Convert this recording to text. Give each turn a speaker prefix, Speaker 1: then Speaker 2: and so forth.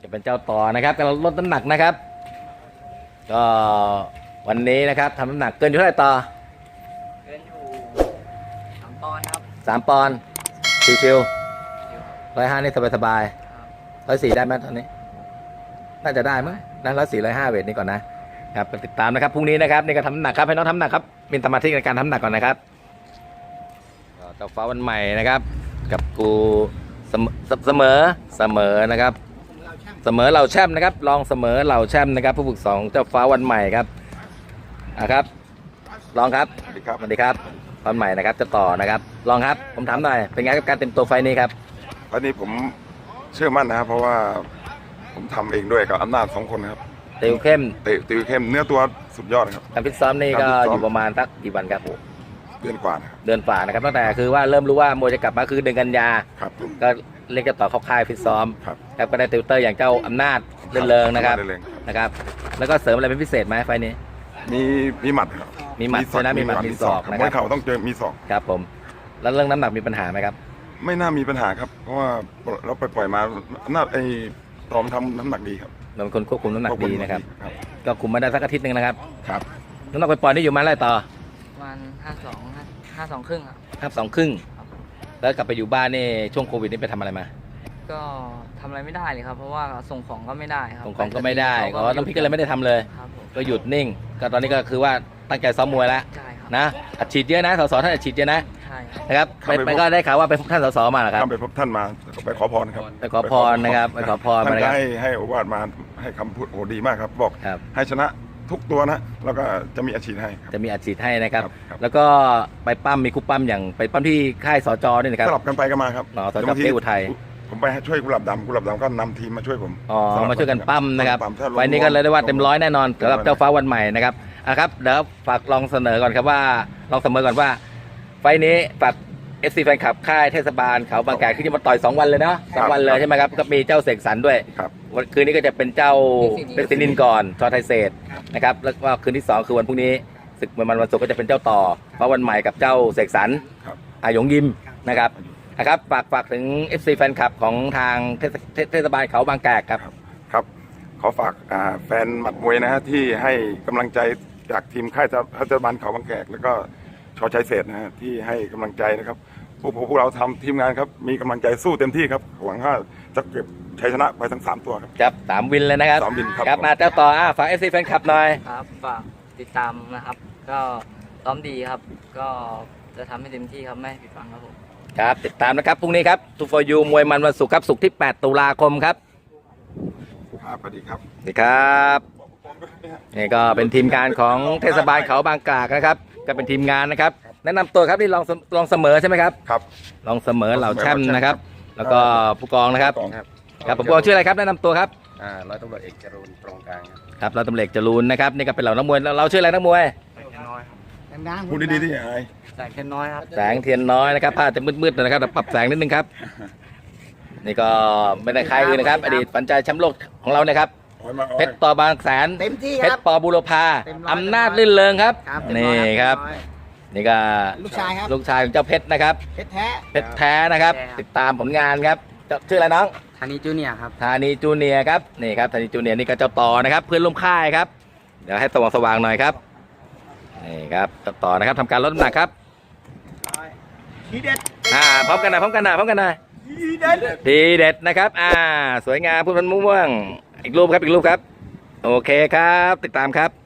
Speaker 1: จะเป็นเจ้าต่อนะครับกำลังลดน้ำหนักนะครับ ก็วันนี้นะครับทำน้ำหนักเกินอยู่เท่าไหร่ต่อ
Speaker 2: เกินอยู่3 ปอนด์ครับ
Speaker 1: 3 ปอนด์ชิวๆ150นี่สบายๆ104ได้ไหมตอนนี้น่าจะได้มั้งนะ104 105เวทนี้ก่อนนะครับติดตามนะครับพรุ่งนี้นะครับนี่ก็ทำน้ำหนักครับให้น้องทำน้ำหนักครับมีสมาธิในการทำน้ำหนักก่อนนะครับเจ้าฟ้าวันใหม่นะครับกับกูเสมอนะครับเสมอเหล่าแชมป์นะครับลองเสมอเหล่าแชมป์นะครับผู้ฝึก2เจ้าฟ้าวันใหม่ครับครับลองครับสวัสดีครับวันใหม่นะครับจะต่อนะครับลองครับผมถามหน่อยเป็นไงกับการเต็มตัวไฟนี้ครับ
Speaker 3: ไฟนี้ผมเชื่อมั่นนะครับเพราะว่าผมทำเองด้วยกับอำนาจ2 คนครับ
Speaker 1: ติวเข้ม
Speaker 3: เนื้อตัวสุดยอดครับ
Speaker 1: การฟิตซ้อมนี่ก็อยู่ประมาณสักกี่วันครับผม
Speaker 3: เดือนกว่านะครับ
Speaker 1: เดือนฝ่านะครับตั้งแต่คือว่าเริ่มรู้ว่ามวยจะกลับมาคือเดือนกันยาก็เรียกจะต่อเข้าค่ายฟิตซ้อมครับก็ได้ติวเตอร์อย่างเจ้าอำนาจเริงนะครับแล้วก็เสริมอะไรเป็นพิเศษไหมไฟนี้
Speaker 3: มีหมัดครับ
Speaker 1: มีหมัดนะมีหมัดมีศอกนะ
Speaker 3: ครับมวยเข่าต้องเจอมีศอก
Speaker 1: ครับผมแล้วเรื่องน้ำหนักมีปัญหาไหมครับ
Speaker 3: ไม่น่ามีปัญหาครับเพราะว่าเราปล่อยมาน่าตอมทำน้ำหนักดีครับ
Speaker 1: เราเป็นคนควบคุมน้ำหนักดีนะครับก็คุมมาได้สักอาทิตย์นึงนะครับน้ำหนักปล่อยนี่อยู่มาอะไรต่อ
Speaker 2: ประมาณ52 ครึ่งครับ
Speaker 1: 52 ครึ่งแล้วกลับไปอยู่บ้านนี่ช่วงโควิดนี่ไปทำอะไรมา
Speaker 2: ก็ทำอะไรไม่ได้เลยครับเพราะว่าส่งของก็ไม่ได้ครับ
Speaker 1: ส่งของก็ไม่ได้ก็น้องพี่ก็เลยไม่ได้ทำเลยก็หยุดนิ่งก็ตอนนี้ก็คือว่าตั้งใจซ้อมมวยแล้วนะอัดฉีดเยอะนะสสท่านอัดฉีดเยอะนะนะครับไปก็ได้ข่าวว่าไปพบท่านสสมาเหรอครับ
Speaker 3: ไปพบท่านมาไปขอพรครับ
Speaker 1: ไปขอพรนะครับไปขอพรมานะครับ
Speaker 3: ให้โอวาทมาให้คำพูดโอ้ดีมากครับบอกให้ชนะทุกตัวนะแล้วก็จะมีอาชีพให้
Speaker 1: จะมีอาชีพให้นะครับแล้วก็ไปปั้มมีคุปปั้มอย่างไปปั้มที่ค่ายสจด้วยนะครับ
Speaker 3: สลับกันไปกันมาครับ
Speaker 1: สจเป้อุทัย
Speaker 3: ผมไปช่วยกุหลาบดำก็นำทีมมาช่วยผม
Speaker 1: มาช่วยกันปั้มนะครับวันนี้ก็เลยได้ว่าเต็ม100แน่นอนสำหรับเจ้าฟ้าวันใหม่นะครับครับเดี๋ยวฝากลองเสนอก่อนครับว่าลองเสนอก่อนว่าไฟนี้ฝากFC แฟนคลับค่ายเทศบาลเขาบางแกที่จะมาต่อย2 วันเลยเนาะ2 วันเลยใช่ไหมครับก็มีเจ้าเสกสรรด้วยวันคืนนี้ก็จะเป็นเจ้าเป็นซินินก่อนชอไทยเศษนะครับแล้วก็คืนที่2คือวันพรุ่งนี้ศึกมวยมันวันศุกร์ก็จะเป็นเจ้าต่อเพราะวันใหม่กับเจ้าเสกสรรอาหยงยิมนะครับฝากถึง FC แฟนคลับของทางเทศบาลเขาบางแก
Speaker 3: ครับขอฝากแฟนหมัดมวยนะฮะที่ให้กำลังใจจากทีมค่ายเทศบาลเขาบางแกแล้วก็ชอชัยเศษนะฮะที่ให้กำลังใจนะครับพวกเราทำทีมงานครับมีกำลังใจสู้เต็มที่ครับหวังว่าจะเก็บชัยชนะไปทั้ง3 ตัวครับ
Speaker 1: 3 วินเลยนะครับ
Speaker 3: 3 วิน
Speaker 1: ครับมาเจ้าต่อฝาก FC แฟนคลับหน่อย
Speaker 2: ครับฝากติดตามนะครับก็ซ้อมดีครับก็จะทำให้เต็มที่ครับไม่ผิดหวังครับผม
Speaker 1: ครับติดตามนะครับพรุ่งนี้ครับทูฟอร์ยูมวยมันวันศุกร์ครับศุกร์ที่8 ตุลาคมครับ
Speaker 3: สวัสดีครับ
Speaker 1: สวัสดีครับนี่ก็เป็นทีมงานของเทศบาลเขาบางกลากนะครับก็เป็นทีมงานนะครับแนะนำตัวครับนี่ลองเสมอใช่ไหมครับ
Speaker 3: ครับ
Speaker 1: ลองเสมอเหล่าแชมป์นะครับแล้วก็ผู้กองนะครับครับผมกองชื่ออะไรครับแนะนำตัวครับ
Speaker 4: ร้อยตำรวจเอกจรูนตรงกลาง
Speaker 1: ครับร้อยตำรวจเอกจรูนนะครับนี่ก็เป็นเหล่านักมวยเราชื่ออะไรนักมวย
Speaker 3: พูดดีๆที่ไอ้
Speaker 2: แสงเทียนน้อยครับ
Speaker 1: แสงเทียนน้อยนะครับผ้าจะมืดๆนะครับปรับแสงนิดนึงครับนี่ก็ไม่ได้ใครอื่นนะครับอดีตฝันใจแชมป์โลกของเรานะครับเพชรต่อบางแสนเพชรปอบุรพาอำนาจลื่นเริงครับนี่ครับนี่ก็ลูกชายของเจ้าเพชรนะครับเพชรแท้นะครับติดตามผลงานครับชื่ออะไรน้อง
Speaker 2: ธานีจูเนียร์ครับ
Speaker 1: ธานีจูเนียร์ครับนี่ครับธานีจูเนียร์นี่ก็เจ้าต่อนะครับเพื่อนร่วมค่ายครับเดี๋ยวให้สว่างหน่อยครับนี่ครับเจ้าต่อนะครับทำการลดน้ำหนักครับ
Speaker 3: ทีเด็ด
Speaker 1: พร้อมกันหน่อยทีเด็ดนะครับสวยงามพูดมันม่วงอีกรูปครับโอเคครับติดตามครับ